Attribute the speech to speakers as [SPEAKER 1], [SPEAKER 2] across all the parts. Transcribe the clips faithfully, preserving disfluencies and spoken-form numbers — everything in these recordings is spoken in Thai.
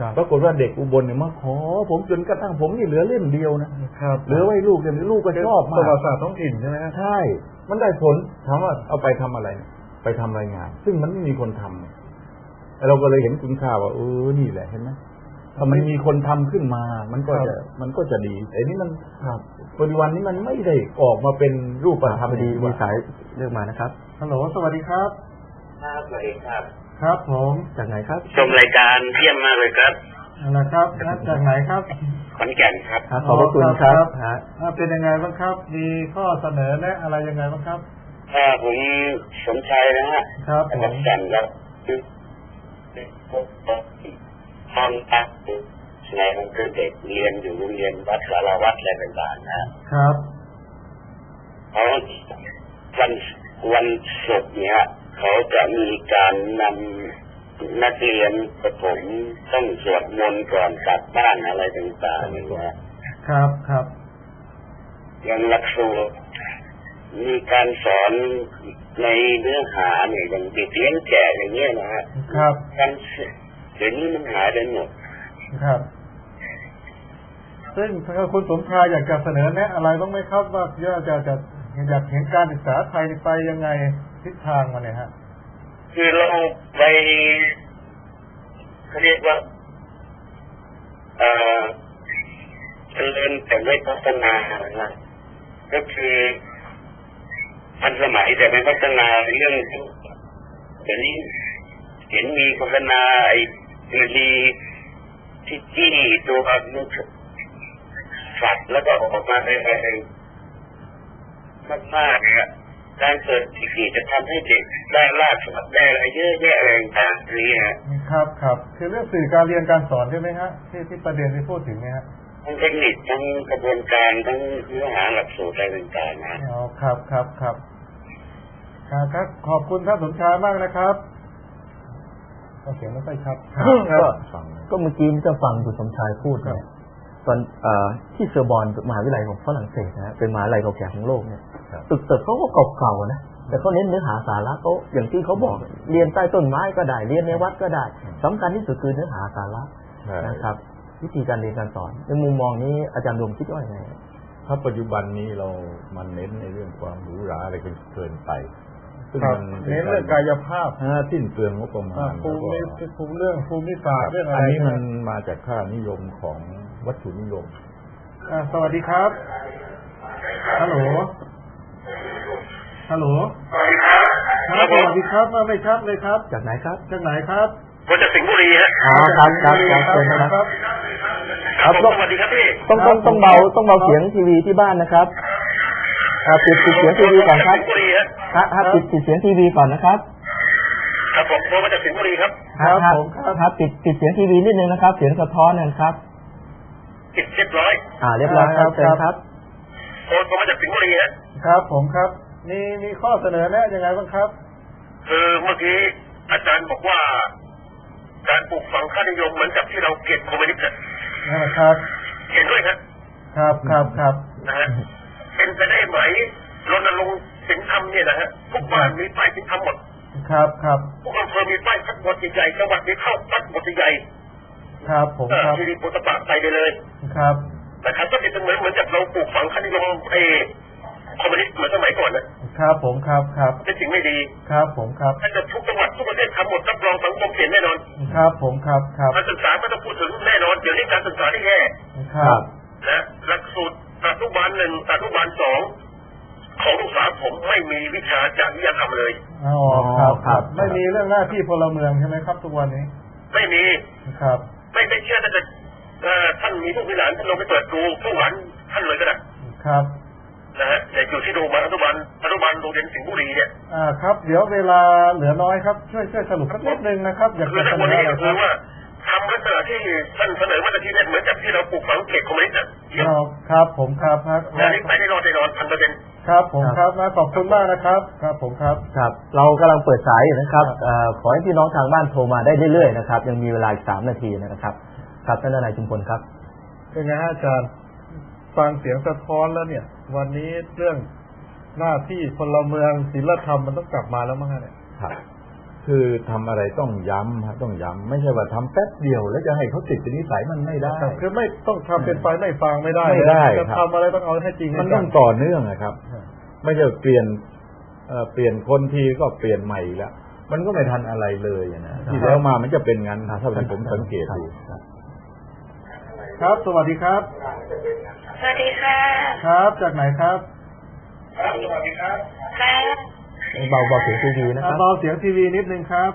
[SPEAKER 1] ปรากฏว่าเด็กอุบลเนี่ยมาขอผมจนกระทั่งผมนี่เหลือเล่มเดียวนะครับเหลือไว้ลูกเดียวลูกก็ชอบมาก
[SPEAKER 2] ประวัติศาสตร์ท้องถิ่นใช่ไหม
[SPEAKER 1] ใช่มันได้ผลถามว่าเอาไปทำอะไรไปทำรายงานซึ่งมันไม่มีคนทำเราก็เลยเห็นคุณค่าว่าเออนี่แหละเห็นไหมถ้ามันมีคนทำขึ้นมามันก็จะมันก็จะดีไอ้นี่มันปัจจุบันนี้มันไม่ได้ออกมาเป็นรูปธรรมดีมีสายเรื่องมานะครับ
[SPEAKER 2] ฮัลโหลสวัสดีครับ
[SPEAKER 3] ครับสวัสดีครับ
[SPEAKER 2] ครับผม
[SPEAKER 1] จากไหนครับ
[SPEAKER 3] ชมรายการเยี่ยมมากเลยครับ
[SPEAKER 2] อะไรครับจากไหนครับ
[SPEAKER 3] ขอนแก่นครับ
[SPEAKER 1] ขอบคุณครับฮะ
[SPEAKER 2] เป็นยังไงบ้างครับมีข้อเสนอแนะอะไรยังไงบ้างครับ
[SPEAKER 3] อ่าผมสมชัยนะฮะ
[SPEAKER 2] ครับ
[SPEAKER 3] ขอนแก่นครับตอนพักในมันคือเด็กเรียนอยู่โรงเรียนวัดสารวัตรอะไรต่างๆนะครับเขาวันวันศุกร์เนี่ยเขาจะมีการนำนักเรียนประถมต้องสวดมนต์ก่อนกลับบ้านอะไรต่างๆนะครับ
[SPEAKER 2] ครับ
[SPEAKER 3] อย่างหลักสูตรมีการสอนในเนื้อหาเนี่ยอย่างเด็กเลี้ยงแก่อย่างเงี้ยนะฮะ
[SPEAKER 2] ครับ
[SPEAKER 3] การเดี๋ยวนี้มันหายไปหมด
[SPEAKER 2] ครับซึ่งถ้าคุณสมชายอยากจะเสนอแนะอะไรบ้างไหมครับว่าจะจะอยากเห็นการศึกษาไทยไปยังไงทิศทางมันเนี่ยฮะ
[SPEAKER 3] คือเราไปเขาเรียกว่าเอ่อเจริญแต่ไม่พัฒนานะก็คือทันสมัยแต่ไม่พัฒนาเรื่องเดี๋ยวนี้เห็นมีโฆษณาไอ้ดีที่จี้ตัวลูกสัตว์แล้วก็ออกมาในอะไรมากๆเนี่ยการเกิดที่กี่จะทำให้เด็กได้ลาดสัตว์ได้อะไรเยอะแยะอะไรต่างๆนี่ฮะ
[SPEAKER 2] ครับครับคือเรื่องสื่อการเรียนการสอนใช่ไหมฮะที่ที่ประเด็นที่พูดถึงเนี่ยฮะ
[SPEAKER 3] ทั้งเทคนิคทั้งกระบวนการทั้งเนื้อหาหลักสูตรอะไรต่างๆนะ
[SPEAKER 2] อ๋อครับครับครับครับขอบคุณท่านสมชายมากนะครับเสียงไม่ค่อยชัด
[SPEAKER 1] ก็ก็เมื่อกี้จะฟังคุณสมชายพูดเนี่ยตอนที่เซอร์บอนมหาวิทยาลัยของฝรั่งเศสนะเป็นมหาวิทยาลัยเก่าแก่ของโลกเนี่ยตึกตึกเขาก็เก่าๆนะแต่เขาเน้นเนื้อหาสาระเขาอย่างที่เขาบอกเรียนใต้ต้นไม้ก็ได้เรียนในวัดก็ได้สำคัญที่สุดคือเนื้อหาสาระนะครับวิธีการเรียนการสอนในมุมมองนี้อาจารย์ดมคิดว่าไง
[SPEAKER 4] ถ้าปัจจุบันนี้เรามันเน้นในเรื่องความหรูหราอะไรกันเกินไป
[SPEAKER 2] ซึ่งมันเน้นเรื่องกายภาพ
[SPEAKER 4] สิ้นเปลืองงบประมาณ
[SPEAKER 2] ภูมิภูมิเรื่องภูมิศาสตร์เรื่องอะไร
[SPEAKER 4] อันนี้มันมาจากค่านิยมของวัตถุนิยม
[SPEAKER 2] สวัสดีครับฮัลโหลฮัลโหลสวัสดีครับสวัสดีครับไม่ชัดเลยครับ
[SPEAKER 1] จากไหนครับ
[SPEAKER 2] จากไหนครับ
[SPEAKER 3] มาจากสิงห์บุรีฮะ
[SPEAKER 1] อ๋อครับครับครับเชิญครับ
[SPEAKER 3] ครับสวัสดีครับพี่
[SPEAKER 1] ต้องต้องต้องเบาต้องเบาเสียงทีวีที่บ้านนะครับปิดปิดเสียงทีวีก่อนครับครับปิดปิดเสียงทีวีก่อนนะครับ
[SPEAKER 3] ครับผมโทรมาจากสิงห์บุรีครับ
[SPEAKER 1] ครับผมครับปิดปิดเสียงทีวีนิดนึงนะครับเสียงสะท้อนนะครับ
[SPEAKER 3] ปิดเรียบร้อย
[SPEAKER 1] อ่าเรียบร้อยครับเชิญครับ
[SPEAKER 3] โทรมาจากสิงห์บุรีฮะ
[SPEAKER 2] ครับผมครับมีมีข้อเสนอแนะยังไงบ้างครับ
[SPEAKER 3] คือเมื่อกี้อาจารย์บอกว่าการปลูกฝังค่านิยมเหมือนกับที่เราเกลียดคอมมิวนิสต์
[SPEAKER 2] นะครับ
[SPEAKER 3] เห็นด้วยครับ
[SPEAKER 2] ครับครับครับ
[SPEAKER 3] นะฮะเป็นไปได้ไหมรณรงค์ศีลธรรมเนี่ยนะฮะทุกบ้านมีป้ายศีลธรรมหมด
[SPEAKER 2] ครับครับ
[SPEAKER 3] ทุกอำเภอมีป้ายพัดบทใหญ่จังหวัดมีเข้าพัดบทใหญ่
[SPEAKER 2] ครับผมครับ
[SPEAKER 3] ที่ดีโพสต์ปากไปได้เลย
[SPEAKER 2] ครับ
[SPEAKER 3] นะครับก็เป็นเหมือนเหมือนกับเราปลูกฝังค่านิยมไอ้คอมมิวนิสต์เหมือนสมัยก่อน
[SPEAKER 2] นะครับผมครับครับ
[SPEAKER 3] เป็นสิ่งไม่ดี
[SPEAKER 2] ครับผมครับ
[SPEAKER 3] ถ้าจะทุกจังหวัดทุกประเทศทำหมดรับรองสังคมเปลี่ยนแน่นอน
[SPEAKER 2] ครับผมครับครับ
[SPEAKER 3] การศึกษาไม่ต้องพูดถึงแน่นอนเดี๋ยวนี้การศึกษาที่แย่
[SPEAKER 2] ครับ
[SPEAKER 3] นะหลักสูตรอนุบาลหนึ่งอนุบาลสองของลูกสาวผมไม่มีวิชาจริยธรรมเลย
[SPEAKER 2] อ๋อครับครับไม่มีเรื่องหน้าที่พลเมืองใช่ไหมครับทุกวันนี้
[SPEAKER 3] ไม่มี
[SPEAKER 2] ครับ
[SPEAKER 3] ไม่ไม่เชื่อถ้าจะท่านมีผู้พิหารท่านลงไปเปิดดูผู้หวานท่านเลยก็ได้
[SPEAKER 2] ครับ
[SPEAKER 3] นะฮะแต่อยู่ที่โรงพยาบาลอนุบาลอนุบาลโรงเรียนสิงห์บุรีเนี่ย
[SPEAKER 2] อ่าครับเดี๋ยวเวลาเหลือน้อยครับช่วยช่วยสรุปสักนิดนึงนะครับอยากจะ
[SPEAKER 3] เสนอก็คือว่าทำลักษณะที่ท่านเสนอมาตรที่เนี่ยเหมือนกับที่เราปลูกฝังเขตคอมมิวนิสต์
[SPEAKER 2] ครับผมครับครับ
[SPEAKER 3] งานนี้ไปได้รอดได้รอดพันเปอร์เซ็นต์
[SPEAKER 2] ครับผมครับนะขอบคุณมากนะครับครับผมครับ
[SPEAKER 1] ครับเรากำลังเปิดสายอยู่นะครับขอให้พี่น้องทางบ้านโทรมาได้เรื่อยๆนะครับยังมีเวลาอีกสามนาทีนะครับครับท่านนายชุมพลครับ
[SPEAKER 2] เป็นไงอาจารย์ฟังเสียงสะท้อนแล้วเนี่ยวันนี้เรื่องหน้าที่พลเมืองศีลธรรมมันต้องกลับมาแล้วมั้งเนี่ย
[SPEAKER 4] ครับคือทำอะไรต้องย้ำฮะต้องย้ำไม่ใช่ว่าทำแป๊บเดียวแล้วจะให้เขาติดเป็นนิสัยมันไม่ได้
[SPEAKER 2] คือไม่ต้องทำเป็นไฟไม่ฟางไม่ได้
[SPEAKER 4] ไม่ได้
[SPEAKER 2] จะ
[SPEAKER 4] ครับ
[SPEAKER 2] ทำอะไรต้องเอาให้จริง
[SPEAKER 4] มันต้องต่อเนื่องนะครับ ไม่ใช่เปลี่ยนเอ่อเปลี่ยนคนทีก็เปลี่ยนใหม่อีกแล้วมันก็ไม่ทันอะไรเลยนะที่แล้วมามันจะเป็นงั้นถ้าที่ผมสังเกตดู
[SPEAKER 2] ครับสวัสดีครับ
[SPEAKER 5] สวัสดีค่ะ
[SPEAKER 2] ครับจากไหนครับ
[SPEAKER 3] ครับสวัสดีครับ
[SPEAKER 5] ค่ะ
[SPEAKER 1] เบาเบาเสียงทีวีนะครับ
[SPEAKER 2] เบาเสียงทีวีนิดนึงครับ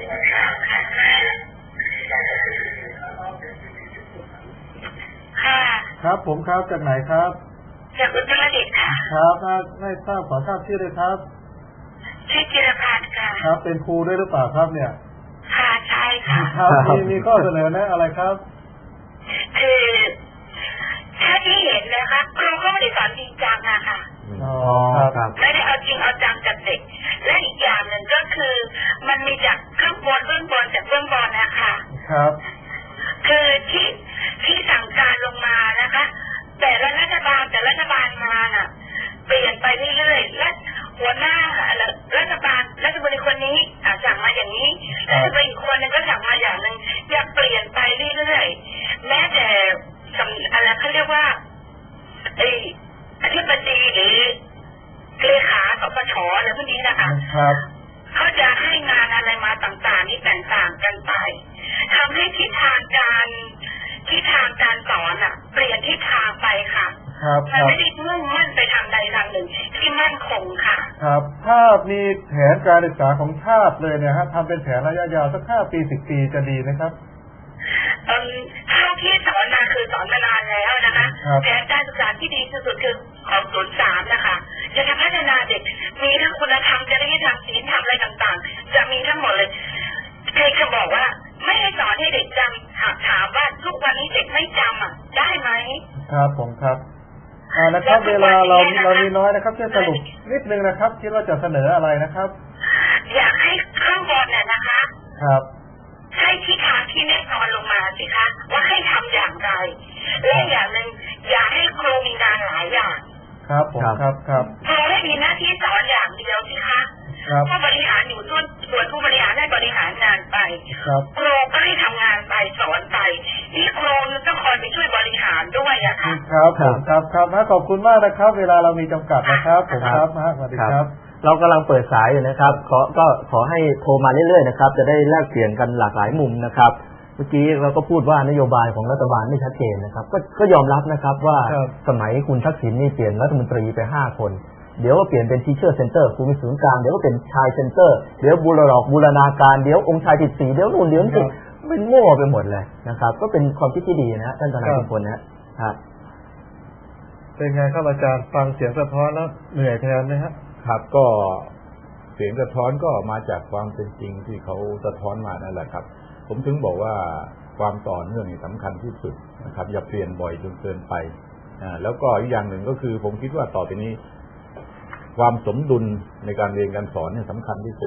[SPEAKER 5] ค่ะ
[SPEAKER 2] ครับผมครับจากไหนครับ
[SPEAKER 5] จากอุตรดิตถ์ค่ะ
[SPEAKER 2] ครับถ้าไม่ทราบขอทราบชื่อเลยครับ
[SPEAKER 5] ชื่อจิรพัฒน์ค่ะ
[SPEAKER 2] ครับเป็นครูด้วยหรือเปล่าครับเนี่ย
[SPEAKER 5] ค่ะใช่ค่ะ
[SPEAKER 2] ครับมีมีข้อเสนอแนะอะไรครับ
[SPEAKER 5] คือถ้าที่เห็นนะคะครูก็ไม่ได้สอนจริงจังอะค่ะ
[SPEAKER 2] อ๋อ
[SPEAKER 1] ครับ
[SPEAKER 5] ไม่ได้เอาจริงเอาจังกับเด็ก และอีกอย่างหนึ่งก็คือ มันมีจากข้างบนเบื้องบนจากเบื้องบนนะคะ
[SPEAKER 2] ครับ
[SPEAKER 5] คือที่ที่สั่งการลงมานะคะ แต่ละรัฐบาลแต่ละรัฐบาลมาน่ะ เปลี่ยนไปเรื่อยๆและหัวหน้ารัฐบาลรัฐมนตรีคนนี้อ่ะสั่งมาอย่างนี้รัฐมนตรีอีกคนนึงก็สั่งมาอย่างหนึ่งอย่าเปลี่ยนไปเรื่อยๆแม้แต่สำอะไรเขาเรียกว่าไอ้อธิบดีหรือเลขาสปชอะไรพวกนี้นะคะ
[SPEAKER 2] ครับ
[SPEAKER 5] เขาจะให้งานอะไรมาต่างๆนี่แตกต่างกันไปทำให้ทิศทางการทิศทางการสอนอ่ะ เปลี่ยนทิศทางไปค่ะ
[SPEAKER 2] ครับค
[SPEAKER 5] มัน
[SPEAKER 2] รับ
[SPEAKER 5] ไม่ได้มุ่งมั่นไปทางใดทางหนึ่งที่มั่นคงค่ะ
[SPEAKER 2] ครับถ้ามีแผนการศึกษาของชาติเลยเนี่ยฮะทำเป็นแผนระยะยาวสักห้าปีสิบปีจะดีไหมครับ
[SPEAKER 5] เอ่อเท่าที่สอนมาคือสอนมานานแล้วนะคะ
[SPEAKER 2] ครับ
[SPEAKER 5] แผนการศึกษาที่ดีที่สุดคือของศูนย์สามนะคะจะทำพัฒนาเด็กมีทั้งคุณธรรมจริยธรรมศีลธรรมอะไรต่างๆ จะมีทั้งหมดเลยเคยจะบอกว่าไม่ให้สอนให้เด็กจำหากถามว่าทุกวันนี้เด็กไม่จำอ่ะได้ไหม
[SPEAKER 2] ครับผมครับอ่านะครับ เวลาเราเรามีน้อยนะครับช่วยสรุปนิดนึงนะครับ คิดว่าจะเสนออะไรนะครับ
[SPEAKER 5] อยากให้ข้างบนเนี่ยนะคะ
[SPEAKER 2] ครับ
[SPEAKER 5] ให้ทิศทางที่แน่นอนลงมาสิคะว่าให้ทำอย่างไรและอย่างหนึ่งอย่าให้ครูมีงานหลายอย่าง
[SPEAKER 2] ครับผมครับครับ
[SPEAKER 5] ครูให้มีหน้าที่สอนอย่างเดียวสิคะ
[SPEAKER 2] ครับ
[SPEAKER 5] ผู้บริหารอยู่ส่วนส่วนผู้บริหารให้บริหารงานไป
[SPEAKER 2] ครับ
[SPEAKER 5] ครูก็ให้ทำงานไปสอนไปนี่ครูต้องคอยไปช่วยบริหารด้วยอะค่ะ
[SPEAKER 2] ครับผมครับครับฮะขอบคุณมากนะครับ เวลาเรามีจำกัดนะครับผมครับฮะสวัสดีครับ
[SPEAKER 1] เรากำลังเปิดสายอยู่นะครับ ขอก็ขอให้โทรมาเรื่อยๆนะครับ จะได้แลกเปลี่ยนกันหลากหลายมุมนะครับ เมื่อกี้เราก็พูดว่านโยบายของรัฐบาลไม่ชัดเจนนะครับ ก็ก็ยอมรับนะครับว่า
[SPEAKER 2] ครับ
[SPEAKER 1] สมัยคุณทักษิณนี่เปลี่ยนรัฐมนตรีไปห้าคน เดี๋ยวก็เปลี่ยนเป็นทีเชอร์เซ็นเตอร์ครูมีศูนย์กลางเดี๋ยวก็เป็นชายเซ็นเตอร์เดี๋ยวบูรณาบูรณาการเดี๋ยวองค์ชายติดสีเดี๋ยวนู่นเดี๋ยวนี่เป็นมั่วไปหมดเลยนะครับ ก็เป็นความคิดที่ดีนะท่านทนายทุกคนนะครับ
[SPEAKER 2] เป็นไงครับอาจารย์ฟังเสียงสะท้อนแล้วเหนื่อยแทนไหมฮะ
[SPEAKER 4] ครับก็เสียงสะท้อนก็มาจากความเป็นจริงที่เขาสะท้อนมานั่นแหละครับ ผมถึงบอกว่าความต่อเนื่องนี่สำคัญที่สุดนะครับ อย่าเปลี่ยนบ่อยจนเกินไปอ่าแล้วก็อีกอย่างหนึ่งก็คือ ผมคิดว่าต่อไปนี้ ความสมดุลในการเรียนการสอนเนี่ยสำคัญที่สุด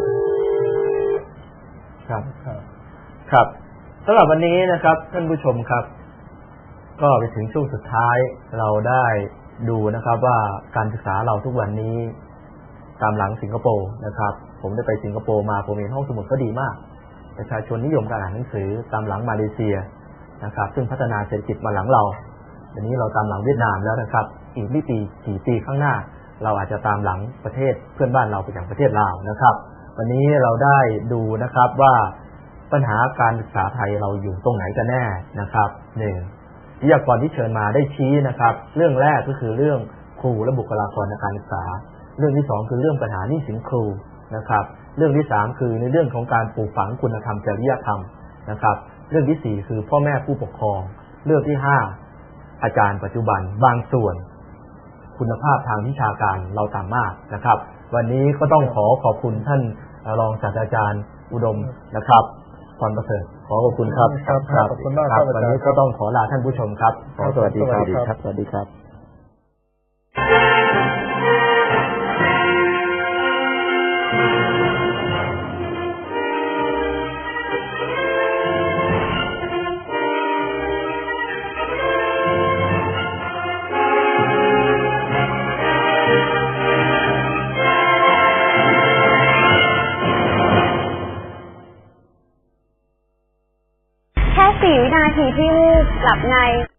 [SPEAKER 1] ครับ
[SPEAKER 2] ครับ
[SPEAKER 1] ครับสำหรับวันนี้นะครับท่านผู้ชมครับ ก็ไปถึงช่วงสุดท้ายเราได้ดูนะครับว่าการศึกษาเราทุกวันนี้ตามหลังสิงคโปร์นะครับ ผมได้ไปสิงคโปร์มาผมเห็นห้องสมุดก็ดีมากประชาชนนิยมการอ่านหนังสือตามหลังมาเลเซียนะครับ ซึ่งพัฒนาเศรษฐกิจมาหลังเราวันนี้เราตามหลังเวียดนามแล้วนะครับ อีกไม่ปีกี่ปีข้างหน้า เราอาจจะตามหลังประเทศเพื่อนบ้านเราไปอย่างประเทศลาวนะครับ วันนี้เราได้ดูนะครับว่าปัญหาการศึกษาไทยเราอยู่ตรงไหนกันแน่นะครับหนึ่งวิทยากรที่เชิญมาได้ชี้นะครับ เรื่องแรกก็คือเรื่องครูและบุคลากรในการศึกษา เรื่องที่สองคือเรื่องปัญหาหนี้สินครูนะครับ เรื่องที่สามคือในเรื่องของการปลูกฝังคุณธรรมจริยธรรมนะครับ เรื่องที่สี่คือพ่อแม่ผู้ปกครอง เรื่องที่ห้าอาจารย์ปัจจุบันบางส่วนคุณภาพทางวิชาการเราต่ำมากนะครับ วันนี้ก็ต้องขอขอบคุณท่านรองศาสตราจารย์อุดมนะครับพรประเสริฐขอขอบคุณครับ
[SPEAKER 2] ครับขอบคุณมากครับอาจารย์
[SPEAKER 1] วันนี้ก็ต้องขอลาท่านผู้ชมครับขอสวัสดีครับ
[SPEAKER 2] สวัสดีครับ
[SPEAKER 1] สวัสดีครับ
[SPEAKER 6] นาทีที่วูบหลับใน